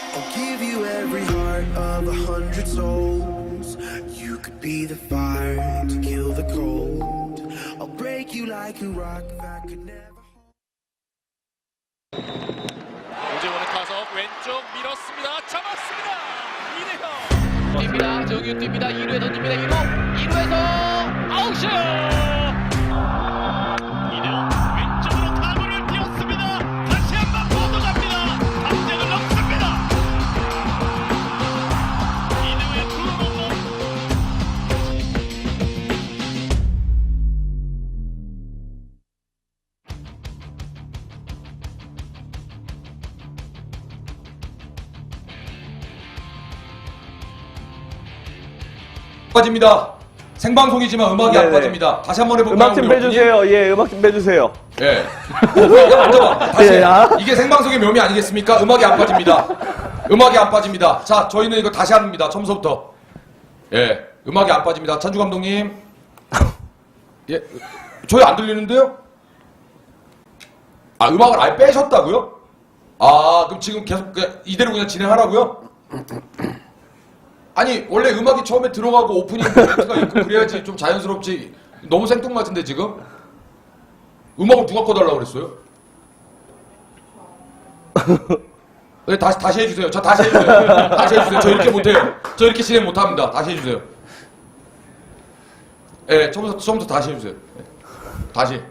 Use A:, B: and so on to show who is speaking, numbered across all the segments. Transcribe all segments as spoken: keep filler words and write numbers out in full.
A: I'll give you every heart of a hundred souls. You could be the fire to kill the cold. I'll break you like a rock that could never.
B: 오재원의 타석 왼쪽 밀었습니다. 잡았습니다. 이대형
C: 뜁니다. 정유 뜁니다. 이 루에 던집니다. 이 루 이 루에서 아웃슛.
B: 이대형 왼쪽으로 타구를 띄웠습니다. 다시 한번 뻗어갑니다. 담장을 넘습니다. 이대형의 투런홈런.
D: 빠집니다. 생방송이지만 음악이 안
E: 네네.
D: 빠집니다. 다시 한번 해볼까요?
E: 음악 좀
D: 우리
E: 빼주세요. 예, 음악 좀 빼주세요.
D: 예. 야, 앉아봐. 다시.
E: 예, 아.
D: 이게 생방송의 묘미 아니겠습니까? 음악이 안 빠집니다. 음악이 안 빠집니다. 자, 저희는 이거 다시 합니다. 처음부터. 예. 음악이 안 빠집니다. 찬주 감독님. 예. 저희 안 들리는데요? 아, 음악을 아예 빼셨다고요? 아, 그럼 지금 계속 그냥 이대로 그냥 진행하라고요? 아니, 원래 음악이 처음에 들어가고 오프닝 멘트가 있고 그래야지 좀 자연스럽지. 너무 생뚱맞은데 지금? 음악을 누가 꺼달라고 그랬어요? 네, 다시, 다시 해주세요. 저 다시 해주세요. 다시 해주세요. 저 이렇게 못해요. 저 이렇게 진행 못합니다. 다시 해주세요. 예, 네, 처음부터, 처음부터 다시 해주세요. 네. 다시.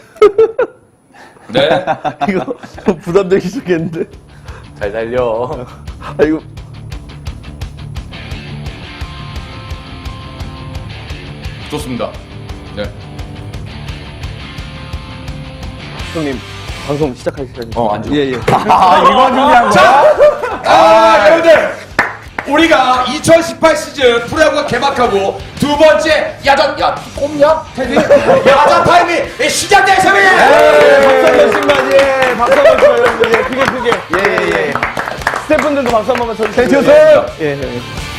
D: 네.
E: 이거 부담되기 시작했는데.
F: 잘 달려.
E: 아, 이거.
D: 좋습니다. 네.
E: 형님, 방송 시작할 시간입니다.
F: 어, 앉아.
E: 예, 예.
F: 아, 이거 중요한 거야?
D: 아, 여러분들! 우리가 이천십팔 시즌 프로야구가 개막하고 두 번째 야전, 야, 꼽냐? 테디? 야전 타임이 시작됐습니다!
E: 박수 한 번씩만, 예. 박수 한 번씩만, 여러분들. 예, 크게, 크게. 예, 예, 예. 스태프분들도 박수 한 번만 쳐주세요.
D: 네,
E: 예, 예.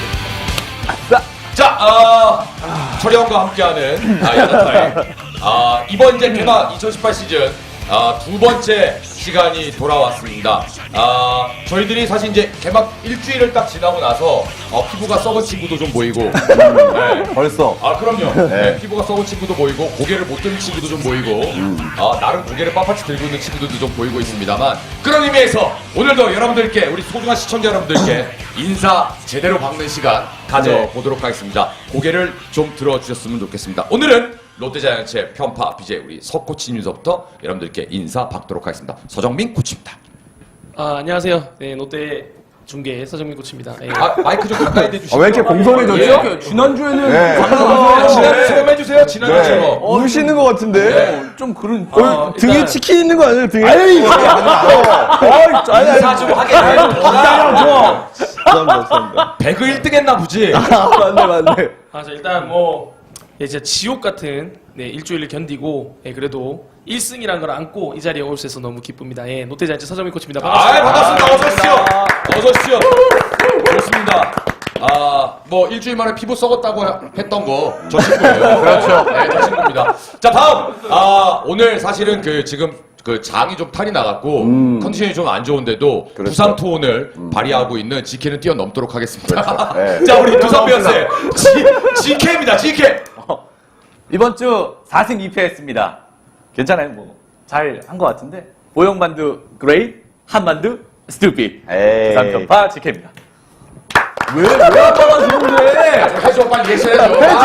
D: 자, 어, 철영과 함께하는 아, 야전 타임. 아, 이번 이제 개막 이천십팔 시즌 아, 두 번째 시간이 돌아왔습니다. 아, 저희들이 사실 이제 개막 일주일을 딱 지나고 나서 어, 피부가 썩은 친구도 좀 보이고 네.
F: 벌써.
D: 아, 그럼요. 네, 피부가 썩은 친구도 보이고 고개를 못 드는 친구도 좀 보이고 아, 나름 고개를 빳빳이 들고 있는 친구들도 좀 보이고 있습니다만 그런 의미에서 오늘도 여러분들께 우리 소중한 시청자 여러분들께 인사 제대로 박는 시간 가져보도록 하겠습니다. 고개를 좀 들어주셨으면 좋겠습니다. 오늘은 롯데자이언츠의 편파 비제이 우리 서 코치님서부터 여러분들께 인사 받도록 하겠습니다. 서정민 코치입니다.
G: 아, 안녕하세요. 네, 롯데 중계 서정민 코치입니다. 예.
D: 아, 마이크 좀 가까이 대주시죠.
F: 아, 왜 이렇게 공손해졌죠?
D: 예.
F: 지난주에는
D: 네.
F: 방송에서
D: 지난주처럼 해주세요. 지난주처럼.
E: 어, 우시는 것 같은데?
D: 네.
F: 좀 그런.
G: 어,
E: 등에
G: 일단-
E: 치킨 있는 거 아니에요, 등에?
F: 아유, 이거 아니,
D: 인사 좀 하게 해.
F: 기다려, 줘.
E: 감사합니다, 감사합니다.
D: 배그 일 등 했나 보지?
E: 아, 맞네, 맞네.
G: 아, 자, 일단 뭐 예, 진짜 지옥 같은 네, 일주일을 견디고 예, 그래도 일 승이라는 걸 안고 이 자리에 올 수 있어서 너무 기쁩니다. 예, 롯데자이언츠 서정민 코치입니다.
D: 아,
G: 반갑습니다.
D: 반갑습니다. 어서 오십시오. 어서 오십시오. 좋습니다. 아, 뭐 일주일 만에 피부 썩었다고 했던 거 저 친구예요. 그렇죠. 네, 저 친구입니다. 자, 다음. 아, 오늘 사실은 그 지금 그 장이 좀 탈이 나갔고 컨디션이 좀 안 좋은데도 부상 투혼을 발휘하고 있는 지케는 뛰어넘도록 하겠습니다.
F: 네.
D: 자, 우리 두산 베어스의 지케입니다. 지케.
F: 이번 주 사 승 이 패 했습니다. 괜찮아요, 뭐. 잘 한 것 같은데. 보영만두 그레이, 한만두 스투피. 부산 편파 지케입니다. 왜, 왜 아빠가 좋은데?
D: 해줘, 빨리 예시해줘.
F: 해줘!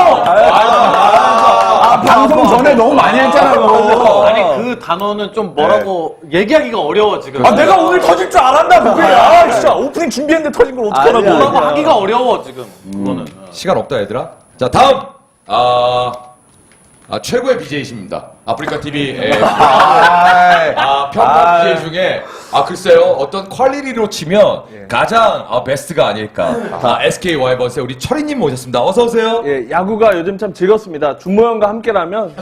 F: 아, 방송 전에 너무 많이 했잖아, 너.
H: 아니 그 단어는 좀 뭐라고 얘기하기가 어려워 지금.
F: 아, 내가 오늘 터질 줄 알았나, 그게. 아, 진짜. 오프닝 준비했는데 터진 걸 어떡하라고.
E: 아니야,
H: 뭐라고
E: 아니야.
H: 하기가 어려워 지금. 그거는.
D: 시간 없다, 얘들아. 자, 다음. 아, 아 최고의 비제이십니다. 아프리카 티비 아, 편파 비제이 중에 아 글쎄요 어떤 퀄리티로 치면 가장 아, 베스트가 아닐까. 아, 에스케이 와이번스의 우리 철이님 모셨습니다. 어서 오세요.
E: 예, 야구가 요즘 참 즐겁습니다. 준모형과 함께라면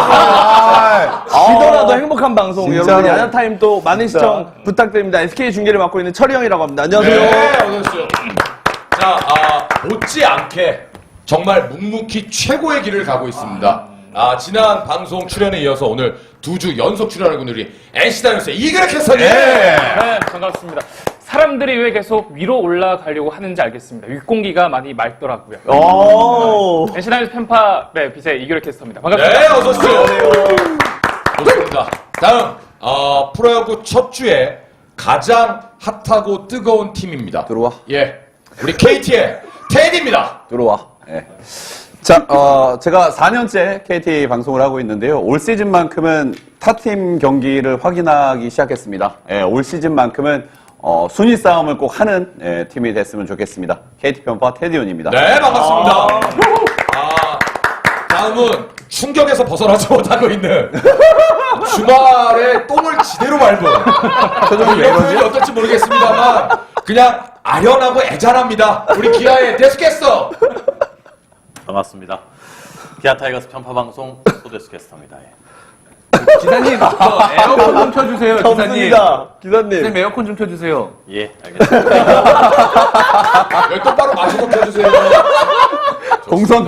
E: 지더라도 행복한 방송.
F: 진짜로.
E: 여러분 야자 타임 또 많은 시청 부탁드립니다. 에스케이 중계를 맡고 있는 철이 형이라고 합니다. 안녕하세요.
D: 네, 어서 오십시오. 자, 아, 못지않게 정말 묵묵히 최고의 길을 가고 있습니다. 아, 지난 방송 출연에 이어서 오늘 두 주 연속 출연하고 있는 우리 엔씨 다이노스의 이그레 캐스터님.
I: 네, 반갑습니다. 사람들이 왜 계속 위로 올라가려고 하는지 알겠습니다. 윗공기가 많이 맑더라고요.
E: 오.
I: 엔시나이스 펜파 네, 빛의 이규래 캐스터입니다. 반갑습니다.
D: 네, 어서 오세요. 좋습니다. 다음 어, 프로야구 첫 주에 가장 핫하고 뜨거운 팀입니다.
E: 들어와.
D: 예, 우리 케이티의 테디입니다.
J: 들어와. 예. 자, 어, 제가 사 년째 케이티 방송을 하고 있는데요. 올 시즌만큼은 타팀 경기를 확인하기 시작했습니다. 예, 올 시즌만큼은 어, 순위 싸움을 꼭 하는 예, 팀이 됐으면 좋겠습니다. 케이티 편파 테디온입니다.
D: 네, 반갑습니다. 아, 다음은 충격에서 벗어나지 못하고 있는 주말에 똥을 지대로 밟은
J: 표정이 왜
D: 이런
J: 이러지?
D: 표현이 어떨지 모르겠습니다만 그냥 아련하고 애잔합니다. 우리 기아의 데스캐스터.
H: 반갑습니다. 기아 타이거스 편파 방송 소데스 캐스터입니다. 예.
F: 기사님, 저 에어컨 좀 켜주세요, 기사님.
E: 없습니다. 기사님.
F: 기사님, 에어컨 좀 켜주세요.
H: 예, 알겠습니다.
D: 여기 똑바로 마셔서 켜주세요.
J: 공선.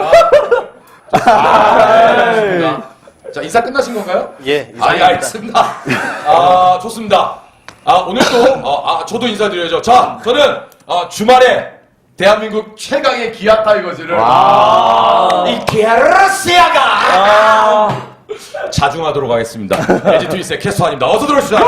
D: 아, 좋습니다. 자, 인사 끝나신 건가요?
H: 예,
D: 아, 예,
H: 이상입니다.
D: 알겠습니다. 아, 좋습니다. 아, 오늘도, 어, 아, 저도 인사드려야죠. 자, 저는, 어, 주말에 대한민국 최강의 기아 타이거즈를, 이 게르시아가 자중하도록 하겠습니다. 에지 트윈스의 캐스터입니다. 어서 들어오시죠.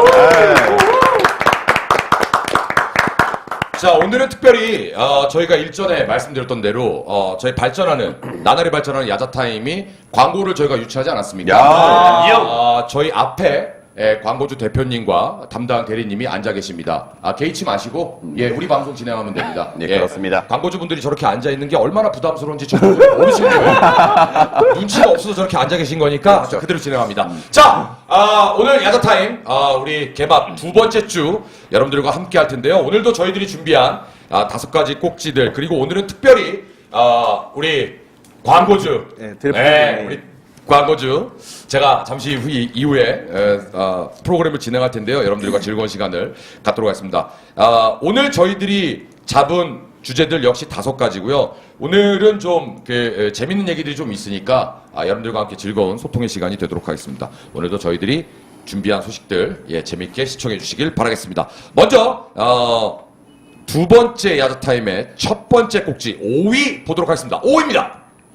D: 자, 오늘은 특별히 어, 저희가 일전에 말씀드렸던 대로 어, 저희 발전하는 나날이 발전하는 야자타임이 광고를 저희가 유치하지 않았습니까? 어, 저희 앞에 예, 광고주 대표님과 담당 대리님이 앉아 계십니다. 아, 개의치 마시고 예, 우리 방송 진행하면 됩니다.
J: 네, 그렇습니다.
D: 광고주분들이 저렇게 앉아 있는 게 얼마나 부담스러운지 저도 모르시는 거예요. 눈치가 없어서 저렇게 앉아 계신 거니까 자, 그대로 진행합니다. 자, 아, 오늘 야자타임 아, 우리 개막 두 번째 주 여러분들과 함께 할 텐데요. 오늘도 저희들이 준비한 아, 다섯 가지 꼭지들 그리고 오늘은 특별히 아, 우리 광고주
E: 네, 드래프트.
D: 네, 우리 광고주 제가 잠시 후 이후에 에, 어, 프로그램을 진행할 텐데요. 여러분들과 즐거운 시간을 갖도록 하겠습니다. 아, 오늘 저희들이 잡은 주제들 역시 다섯 가지고요. 오늘은 좀 그, 에, 재밌는 얘기들이 좀 있으니까 아, 여러분들과 함께 즐거운 소통의 시간이 되도록 하겠습니다. 오늘도 저희들이 준비한 소식들 예, 재밌게 시청해 주시길 바라겠습니다. 먼저 어, 두 번째 야자타임의 첫 번째 꼭지 오 위 보도록 하겠습니다. 오 위입니다.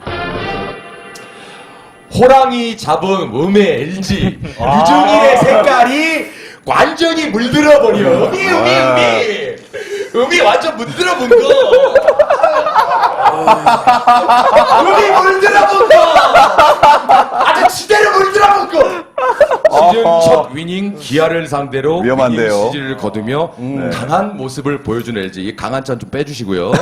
D: 호랑이 잡은 음의 엘지 유중일의 색깔이 완전히 물들어버려. 음이 음이 음이 음이 완전 물들어본 거. 음이 물들어본 거. 아주 지대로 물들어본 거. 시즌 첫 위닝 기아를 상대로
J: 위험한데요.
D: 위닝 시즌을 거두며 강한 모습을 보여준 엘지. 이 강한 찬 좀 빼주시고요.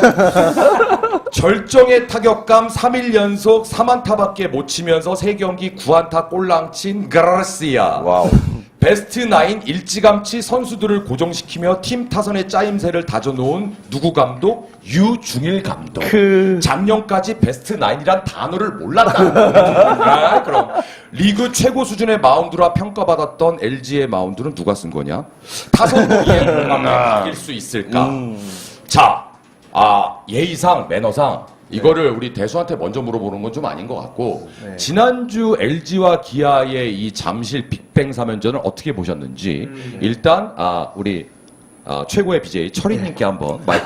D: 절정의 타격감 삼 일 연속 삼 안타밖에 못 치면서 세 경기 구 안타 꼴랑친 가르시아.
J: 와우.
D: 베스트 나인 일찌감치 선수들을 고정시키며 팀 타선의 짜임새를 다져놓은 누구 감독? 유중일 감독. 작년까지 베스트 나인이란 단어를 몰랐다. 아, 그럼 리그 최고 수준의 마운드라 평가받았던 엘지의 마운드는 누가 쓴 거냐? 타선으로 이길 수 있을까? 자, 아, 예의상 매너상 이거를 우리 대수한테 먼저 물어보는 건 좀 아닌 것 같고 지난주 엘지와 기아의 이 잠실 빅뱅 삼 연전을 어떻게 보셨는지 일단 아, 우리 아, 최고의 비제이 철이님께 한번 마이크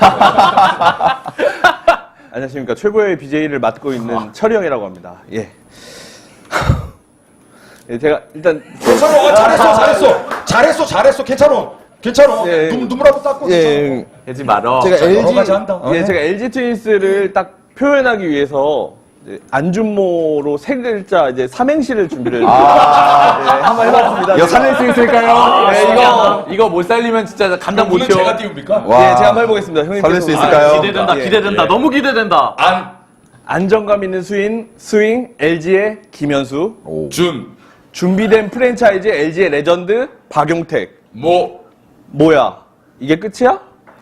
E: 안녕하십니까. 최고의 비제이를 맡고 있는 철이 형이라고 합니다. 예. 예, 제가 일단
D: 괜찮아. 잘했어. 잘했어. 잘했어. 잘했어. 괜찮아. 괜찮아.
E: 예.
D: 눈, 눈물 한번 닦고
E: 예,
F: 하지 말어.
E: 제가
D: 자, 여러
E: 엘지
D: 가지 한다. 어,
E: 예,
D: 네.
E: 제가 엘지 트윈스를 딱 표현하기 위해서 이제 안준모로 세 글자 이제 삼행시를 준비를 예, 한번 해봤습니다.
J: 이거 살릴 수 있을까요?
E: 네, 이거
F: 이거 못 살리면 진짜 감당
D: 오늘
F: 못해요.
D: 제가 띄웁니까?
J: 와.
E: 예, 제가 한번 해보겠습니다. 형님
J: 살릴 수 있을까요?
H: 아, 기대된다,
E: 예.
H: 기대된다.
D: 예.
H: 너무 기대된다.
D: 안,
E: 안정감 있는 스윙, 스윙 엘지의 김현수,
D: 준,
E: 준비된 프랜차이즈 엘지의 레전드 박용택.
D: 모.
E: 뭐야? 이게 끝이야?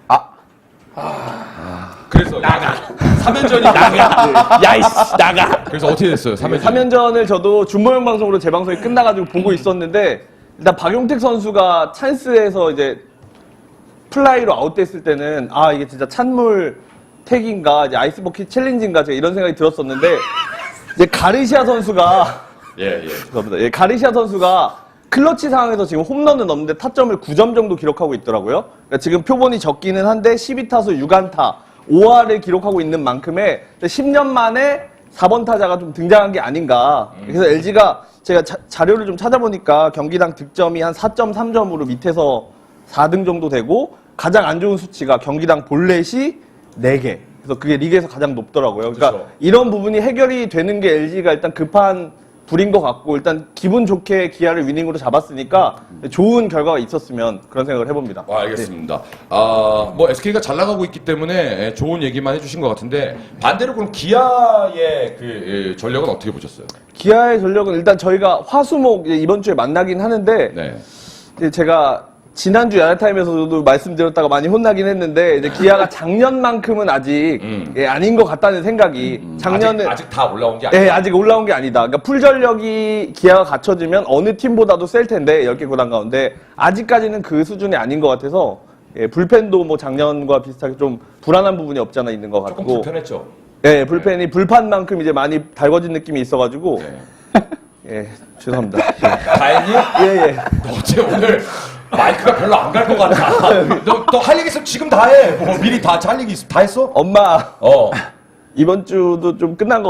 D: 그래서 나가. 삼 연전이 나가.
E: 야이씨 나가.
D: 그래서 어떻게 됐어요? 삼 연전.
E: 삼 연전을 저도 준모형 방송으로 제 방송이 끝나가지고 보고 있었는데 일단 박용택 선수가 찬스에서 이제 플라이로 아웃됐을 때는 아 이게 진짜 찬물 택인가 이제 아이스버킷 챌린지인가 제가 이런 생각이 들었었는데 이제 가르시아 선수가
D: 예, 예.
E: 죄송합니다. 예, 가르시아 선수가 클러치 상황에서 지금 홈런은 없는데 타점을 구 점 정도 기록하고 있더라고요. 그러니까 지금 표본이 적기는 한데 십이 타수 육 안타 오 할을 기록하고 있는 만큼의 십 년 만에 사 번 타자가 좀 등장한 게 아닌가. 그래서 엘지가 제가 자, 자료를 좀 찾아보니까 경기당 득점이 한 사 점 삼 점으로 밑에서 사 등 정도 되고 가장 안 좋은 수치가 경기당 볼넷이 네 개. 그래서 그게 리그에서 가장 높더라고요. 그러니까
D: 그렇죠.
E: 이런 부분이 해결이 되는 게 엘지가 일단 급한 불인 것 같고 일단 기분 좋게 기아를 위닝으로 잡았으니까 좋은 결과가 있었으면 그런 생각을 해봅니다.
D: 아, 알겠습니다. 아, 뭐 에스케이가 잘 나가고 있기 때문에 좋은 얘기만 해주신 것 같은데 반대로 그럼 기아의 그 예, 전력은 어떻게 보셨어요?
E: 기아의 전력은 일단 저희가 화수목 이제 이번 주에 만나긴 하는데
D: 네.
E: 이제 제가 지난주 야자타임에서도 말씀드렸다가 많이 혼나긴 했는데 이제 기아가 작년만큼은 아직
D: 음.
E: 예, 아닌 것 같다는 생각이 작년은
D: 아직, 아직 다 올라온 게 아니에요.
E: 예, 아직 올라온 게 아니다. 그러니까 풀전력이 기아가 갖춰지면 어느 팀보다도 셀 텐데 열 개 구단 가운데 아직까지는 그 수준이 아닌 것 같아서 예, 불펜도 뭐 작년과 비슷하게 좀 불안한 부분이 없지 않아 있는 것 같고
D: 조금 불편했죠.
E: 예, 불펜이 불판만큼 이제 많이 달궈진 느낌이 있어가지고
D: 네.
E: 예, 죄송합니다.
D: 다행히
E: 예, 예.
D: 너 어째 오늘 마이크가 별로 안 갈 것 같아. 너 너 할 얘기 있으면 지금 다 해. 뭐 미리 다 할 얘기 있, 다 했어?
E: 엄마
D: 어.
E: 이번 주도 좀 끝난 것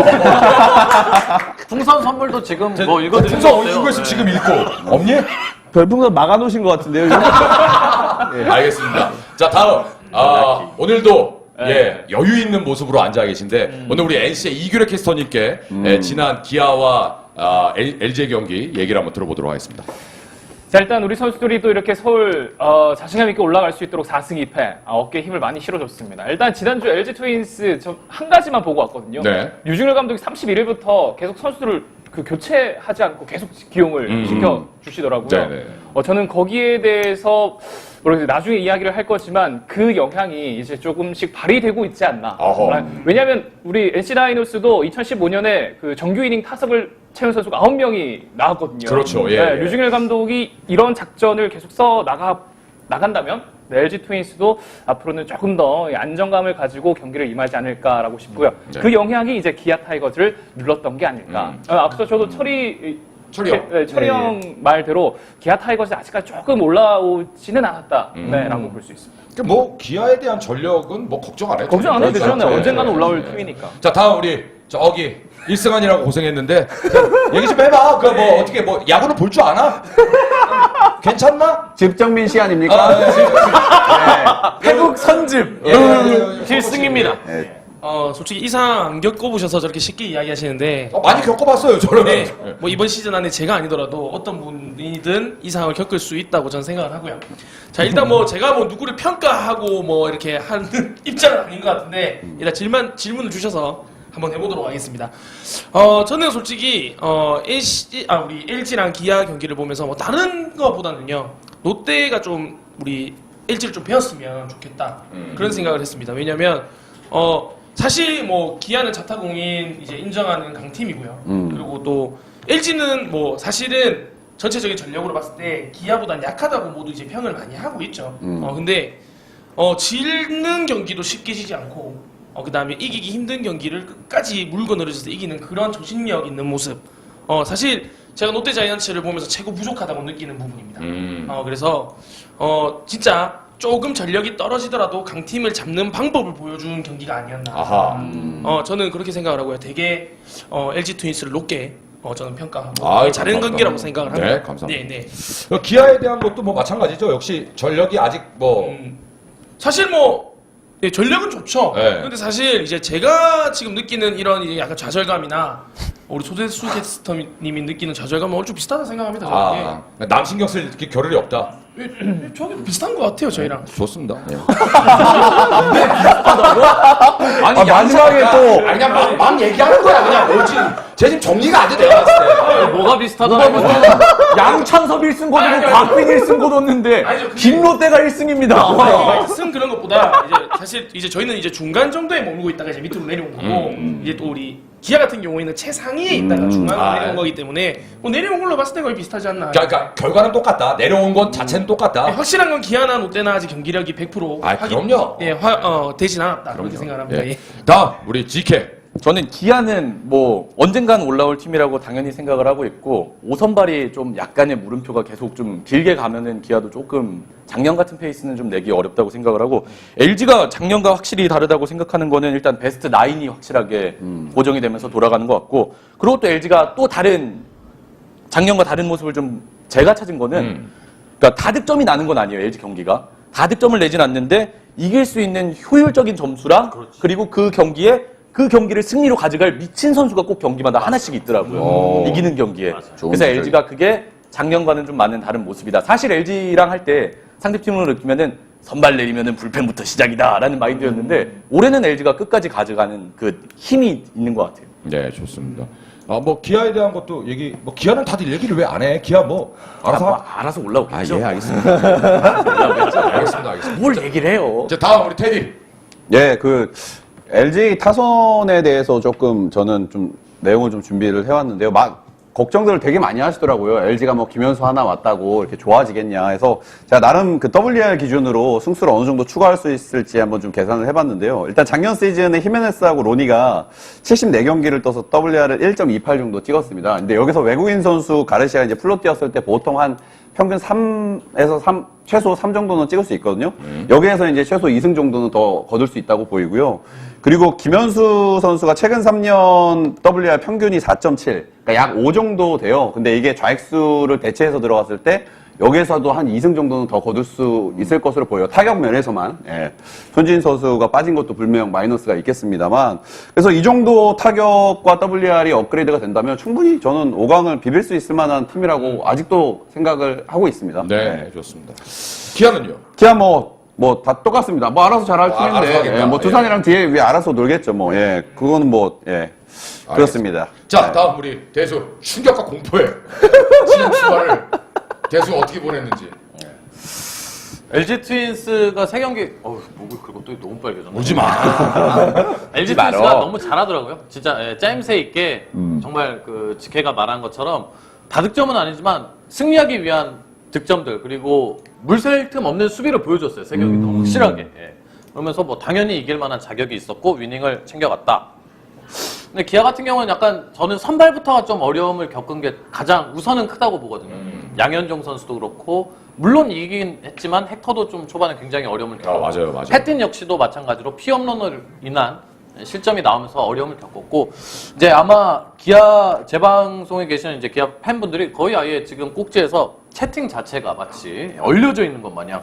E: 같아.
H: 풍선 선물도 지금 뭐 읽어드리고
D: 풍선 어디 고 있으면 지금 읽고 없니?
E: 별풍선 막아놓으신 것 같은데요. 이거?
D: 알겠습니다. 자 다음 아, 오늘도 예 여유 있는 모습으로 앉아 계신데 오늘 우리 엔씨의 이규래 캐스터님께 예, 지난 기아와 아, 엘지의 경기 얘기를 한번 들어보도록 하겠습니다.
I: 자, 일단 우리 선수들이 또 이렇게 서울 어, 자신감 있게 올라갈 수 있도록 사 승 이 패 아, 어깨에 힘을 많이 실어줬습니다. 일단 지난주 엘지 트윈스 저 한 가지만 보고 왔거든요.
D: 네.
I: 유중열 감독이 삼십일 일부터 계속 선수들을 그 교체하지 않고 계속 기용을
D: 음,
I: 시켜 주시더라고요.
D: 네네.
I: 어, 저는 거기에 대해서 모르겠어요. 나중에 이야기를 할 거지만 그 영향이 이제 조금씩 발휘되고 있지 않나.
D: 어허.
I: 아, 왜냐하면 우리 엔씨 다이노스도 이천십오 년에 그 정규 이닝 타석을 채운 선수가 아홉 명이 나왔거든요.
D: 그렇죠. 예,
I: 네,
D: 예.
I: 류중일 감독이 이런 작전을 계속 써 나가 나간다면 네, 엘지 트윈스도 앞으로는 조금 더 안정감을 가지고 경기를 임하지 않을까라고 싶고요.
D: 네.
I: 그 영향이 이제 기아 타이거즈를 눌렀던 게 아닐까.
D: 음.
I: 어, 앞서 저도 철이
D: 철이 형.
I: 네, 철이 형 말대로 기아 타이거즈 아직까지 조금 올라오지는 않았다.
D: 음.
I: 네, 라고 볼 수 있습니다.
D: 그러니까 뭐 기아에 대한 전력은 뭐 걱정 안 해도
I: 걱정 안 해도
D: 그렇죠.
I: 되잖아요.
D: 네,
I: 언젠가는
D: 네,
I: 올라올
D: 네.
I: 팀이니까.
D: 자 다음 우리 저기 일승환이라고 고생했는데 자, 얘기 좀 해봐. 그 뭐 어떻게 뭐 야구는 볼 줄 아나? 괜찮나?
J: 집정민 씨 아닙니까?
D: 아, 네.
F: 태국 선즙.
D: 예, 예, 예.
B: 필승입니다.
J: 네.
B: 어, 솔직히 이상 안 겪어보셔서 저렇게 쉽게 이야기하시는데
D: 어, 많이 겪어봤어요 저는.
B: 네, 뭐 이번 시즌 안에 제가 아니더라도 어떤 분이든 이 상황을 겪을 수 있다고 저는 생각을 하고요. 자, 일단 뭐 제가 뭐 누구를 평가하고 뭐 이렇게 하는 입장은 아닌 것 같은데 일단 질문 질문을 주셔서 한번 해보도록 하겠습니다. 어, 저는 솔직히 어, 엘씨, 아 우리 엘지랑 기아 경기를 보면서 뭐 다른 것보다는요 롯데가 좀 우리 엘지를 좀 배웠으면 좋겠다
D: 음.
B: 그런 생각을 했습니다. 왜냐면 어. 사실 뭐 기아는 자타공인 이제 인정하는 강팀이고요.
J: 음.
B: 그리고 또 엘지는 뭐 사실은 전체적인 전력으로 봤을 때 기아보단 약하다고 모두 이제 평을 많이 하고 있죠.
J: 음.
B: 어 근데 어 지는 경기도 쉽게 지지 않고 어 그다음에 이기기 힘든 경기를 끝까지 물고 늘어져서 이기는 그런 정신력 있는 모습. 어 사실 제가 롯데 자이언츠를 보면서 최고 부족하다고 느끼는 부분입니다.
D: 음.
B: 어 그래서 어 진짜 조금 전력이 떨어지더라도 강팀을 잡는 방법을 보여준 경기가 아니었나.
D: 아하.
B: 어 저는 그렇게 생각을 하고요. 되게 어, 엘지 트윈스를 높게 어, 저는 평가하고
D: 아유,
B: 잘하는
D: 감사합니다.
B: 경기라고 생각을 합니다.
D: 네, 감사합니다.
B: 네, 네.
D: 어, 기아에 대한 것도 뭐 마찬가지죠. 역시 전력이 아직 뭐
B: 음, 사실 뭐 예, 전력은 좋죠.
D: 네.
B: 근데 사실 이제 제가 지금 느끼는 이런 이제 약간 좌절감이나 우리 소대수 캐스터님이 느끼는 좌절감은 얼추 비슷하다 생각합니다. 저는.
D: 아, 남 신경 쓸 게 겨를이 없다.
B: 예. 예, 저기 비슷한 것 같아요, 저희랑.
D: 좋습니다. 예.
J: 아니, 마지막에 또
D: 아니, 그냥 막, 막 얘기하는 거야. 그냥 뭐지. 쟤 지금 정리가 안 돼, 내가 봤을 때.
H: 뭐가 비슷하다고
F: 양찬섭 일 승 거두고 곽빈 일 승 거뒀는데
B: 아니죠, 그게-
F: 김롯데가 일 승입니다.
B: 아, 승 그런 것보다 이제 사실 이제 저희는 이제 중간 정도에 머물고 있다가 이제 밑으로 내려온 거고 이제 또 우리 기아 같은 경우에는 최상위에 있다가 중간으로
D: 아,
B: 내려온
D: 예.
B: 거기 때문에 뭐 내려온 걸로 봤을 때 거의 비슷하지 않나.
D: 그러니까 결과는 똑같다. 내려온 건 자체는
B: 네,
D: 똑같다.
B: 확실한 건 기아나 롯데나 아직 경기력이 백 퍼센트
D: 아, 그럼요.
B: 예, 화, 어, 되진 않았다 그렇게 생각합니다.
D: 예.
B: 예.
D: 다음 우리 지케
F: 저는 기아는 뭐 언젠간 올라올 팀이라고 당연히 생각을 하고 있고 오선발이 좀 약간의 물음표가 계속 좀 길게 가면은 기아도 조금 작년 같은 페이스는 좀 내기 어렵다고 생각을 하고 엘지가 작년과 확실히 다르다고 생각하는 거는 일단 베스트 나인이 확실하게 음. 고정이 되면서 돌아가는 것 같고 그리고 또 엘지가 또 다른 작년과 다른 모습을 좀 제가 찾은 거는 음. 그러니까 다득점이 나는 건 아니에요 엘지 경기가 다득점을 내진 않는데 이길 수 있는 효율적인 점수랑 그렇지. 그리고 그 경기에 그 경기를 승리로 가져갈 미친 선수가 꼭 경기마다 하나씩 있더라고요. 오. 이기는 경기에. 그래서 엘지가 그게 작년과는 좀 많은 다른 모습이다. 사실 엘지랑 할 때 상대팀으로 느끼면은 선발 내리면은 불펜부터 시작이다라는 마인드였는데 음. 올해는 엘지가 끝까지 가져가는 그 힘이 있는 것 같아요.
D: 네, 좋습니다. 아, 뭐 기아에 대한 것도 얘기, 뭐 기아는 다들 얘기를 왜 안 해? 기아 뭐 알아서
F: 아, 뭐, 알아서 올라오겠죠.
D: 아, 예, 알겠습니다. 알겠습니다, 알겠습니다.
F: 뭘 얘기를 해요?
D: 이제 다음 우리 테디.
J: 예, 그 엘지 타선에 대해서 조금 저는 좀 내용을 좀 준비를 해왔는데요. 막 걱정들을 되게 많이 하시더라고요. 엘지가 뭐 김현수 하나 왔다고 이렇게 좋아지겠냐 해서 제가 나름 그 더블유알 기준으로 승수를 어느 정도 추가할 수 있을지 한번 좀 계산을 해봤는데요. 일단 작년 시즌에 히메네스하고 로니가 칠십사 경기를 떠서 더블유알을 일 점 이팔 정도 찍었습니다. 근데 여기서 외국인 선수 가르시아가 이제 플로 뛰었을 때 보통 한 평균 삼에서 삼, 최소 삼 정도는 찍을 수 있거든요. 음. 여기에서 이제 최소 이 승 정도는 더 거둘 수 있다고 보이고요. 그리고 김현수 선수가 최근 삼 년 더블유알 평균이 사 점 칠, 그러니까 약 오 정도 돼요. 근데 이게 좌익수를 대체해서 들어갔을 때 여기에서도 한 이 승 정도는 더 거둘 수 있을 것으로 보여요. 타격 면에서만. 예. 손진 선수가 빠진 것도 분명 마이너스가 있겠습니다만. 그래서 이 정도 타격과 더블유알이 업그레이드가 된다면 충분히 저는 오 강을 비빌 수 있을 만한 팀이라고 아직도 생각을 하고 있습니다.
D: 네,
J: 예.
D: 좋습니다. 기아는요?
J: 기아 뭐, 뭐 다 똑같습니다. 뭐 알아서 잘할
D: 뭐, 알아서
J: 팀인데.
D: 하겠다.
J: 예, 뭐 두산이랑
D: 예.
J: 뒤에 위에 알아서 놀겠죠. 뭐. 예. 그거는 뭐, 예. 그렇습니다.
D: 자, 다음 우리 대수 충격과 공포의 지난 주말을 대수 어떻게 보냈는지.
H: 엘지 트윈스가 세 경기, 어우, 목을 긁고 또 너무 빨개졌네.
D: 오지 마.
H: 엘지
F: 말어.
H: 트윈스가 너무 잘하더라고요. 진짜 예, 짜임새 있게 정말 그 지케가 말한 것처럼 다득점은 아니지만 승리하기 위한 득점들 그리고 물샐 틈 없는 수비를 보여줬어요. 세 경기 너무 확실하게. 예. 그러면서 뭐 당연히 이길 만한 자격이 있었고 위닝을 챙겨갔다. 근데 기아 같은 경우는 약간 저는 선발부터가 좀 어려움을 겪은 게 가장 우선은 크다고 보거든요. 음. 양현종 선수도 그렇고 물론 이기긴 했지만 헥터도 좀 초반에 굉장히 어려움을 겪었고
D: 아, 맞아요, 맞아요.
H: 패틴 역시도 마찬가지로 피홈런을 인한 실점이 나오면서 어려움을 겪었고 이제 아마 기아 재방송에 계시는 이제 기아 팬분들이 거의 아예 지금 꼭지에서 채팅 자체가 마치 얼려져 있는 것 마냥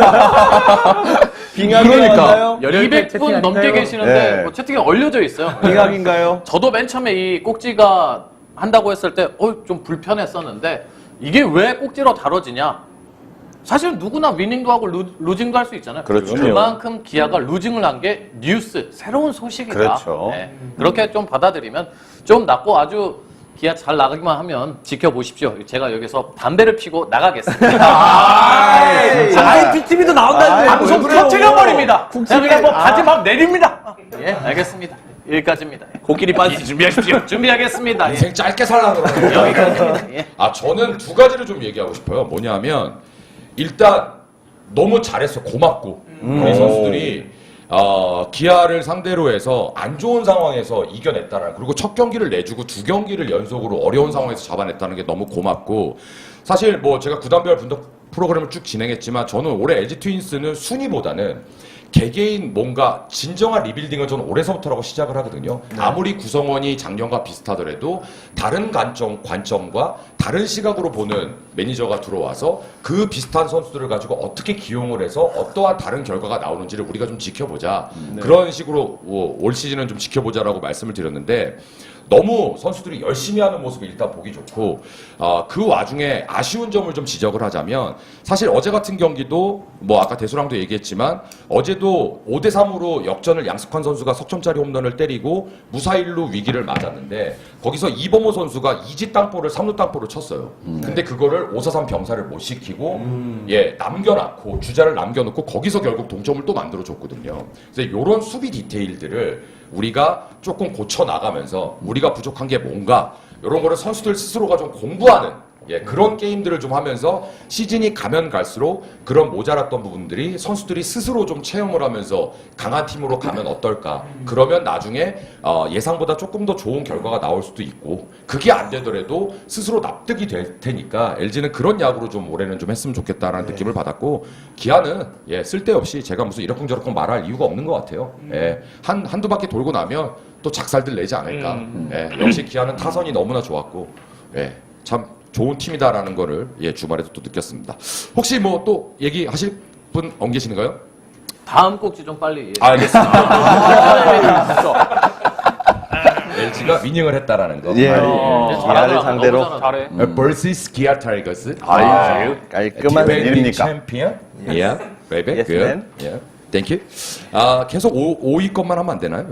E: 빙하기인가요?
H: 이백 분 넘게 계시는데
J: 네.
H: 뭐 채팅에 얼려져 있어요.
E: 빙하기인가요?
H: 저도 맨 처음에 이 꼭지가 한다고 했을 때 어, 좀 불편했었는데 이게 왜 꼭지로 다뤄지냐? 사실 누구나 위닝도 하고 루, 루징도 할 수 있잖아요.
J: 그렇죠.
H: 그만큼 기아가 루징을 한 게 뉴스, 새로운 소식이다.
J: 그렇죠.
H: 네. 그렇게 좀 받아들이면 좀 낫고 아주 기아 잘 나가기만 하면 지켜보십시오. 제가 여기서 담배를 피고 나가겠습니다.
F: 아이피티비도 나온다는데
H: 방송 터뜨려버립니다. 제가 뭐 바지 막 내립니다. 예, 알겠습니다. 여기까지입니다.
F: 코끼리 반스 준비하십시오.
H: 준비하겠습니다. 예.
D: 인생 짧게 살라고 그러네요.
H: 여기까지입니다. 예.
D: 아, 저는 두 가지를 좀 얘기하고 싶어요. 뭐냐면 일단 너무 잘했어. 고맙고 우리 선수들이 어, 기아를 상대로 해서 안 좋은 상황에서 이겨냈다라는, 그리고 첫 경기를 내주고 두 경기를 연속으로 어려운 상황에서 잡아냈다는 게 너무 고맙고, 사실 뭐 제가 구단별 분석 프로그램을 쭉 진행했지만 저는 올해 엘지 트윈스는 순위보다는 개개인 뭔가 진정한 리빌딩을 저는 올해서부터라고 시작을 하거든요. 아무리 구성원이 작년과 비슷하더라도 다른 관점, 관점과 다른 시각으로 보는 매니저가 들어와서 그 비슷한 선수들을 가지고 어떻게 기용을 해서 어떠한 다른 결과가 나오는지를 우리가 좀 지켜보자. 네. 그런 식으로 뭐 올 시즌은 좀 지켜보자라고 말씀을 드렸는데, 너무 선수들이 열심히 하는 모습이 일단 보기 좋고, 어, 그 와중에 아쉬운 점을 좀 지적을 하자면, 사실 어제 같은 경기도 뭐 아까 대수랑도 얘기했지만 어제도 오 대 삼으로 역전을 양승환 선수가 석점짜리 홈런을 때리고 무사일루 위기를 맞았는데, 거기서 이범호 선수가 이지 땅볼을 삼루 땅볼을 쳤어요. 음. 근데 그거를 오 사 삼 병사를 못 시키고 음. 예, 남겨놨고 주자를 남겨놓고 거기서 결국 동점을 또 만들어줬거든요. 그래서 이런 수비 디테일들을 우리가 조금 고쳐 나가면서 우리가 부족한 게 뭔가, 이런 거를 선수들 스스로가 좀 공부하는, 예, 그런 게임들을 좀 하면서 시즌이 가면 갈수록 그런 모자랐던 부분들이 선수들이 스스로 좀 체험을 하면서 강한 팀으로 가면 어떨까. 그러면 나중에 어, 예상보다 조금 더 좋은 결과가 나올 수도 있고 그게 안 되더라도 스스로 납득이 될 테니까 엘지는 그런 야구로 좀 올해는 좀 했으면 좋겠다라는 느낌을 받았고 기아는 예, 쓸데없이 제가 무슨 이러쿵저러쿵 말할 이유가 없는 것 같아요. 예, 한, 한두 바퀴 돌고 나면 또 작살들 내지 않을까. 예, 역시 기아는 타선이 너무나 좋았고 예, 참 좋은 팀이다라는 거를 예, 주말에도 또 느꼈습니다. 혹시 뭐 또 얘기하실 분 안 계시는가요?
H: 다음 꼭지 좀 빨리. 예.
D: 알겠습니다. 엘지가 위닝을 했다라는 거.
J: 예.
H: 어,
E: 기아를
H: 잘하더라.
E: 상대로.
H: 너무 잘하더라.
I: 잘해.
D: vs 기아 타이거스.
J: 아유, 깔끔한 일입니까?
D: 챔피언. 예. 베이비.
E: Yes,
D: 굿.
E: man.
D: 예. 땡큐. 아, 계속 오 위 것만 하면 안 되나요?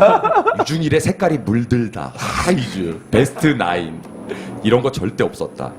D: 유준일의 색깔이 물들다. 하이즈. 베스트 나인. 이런 거 절대 없었다.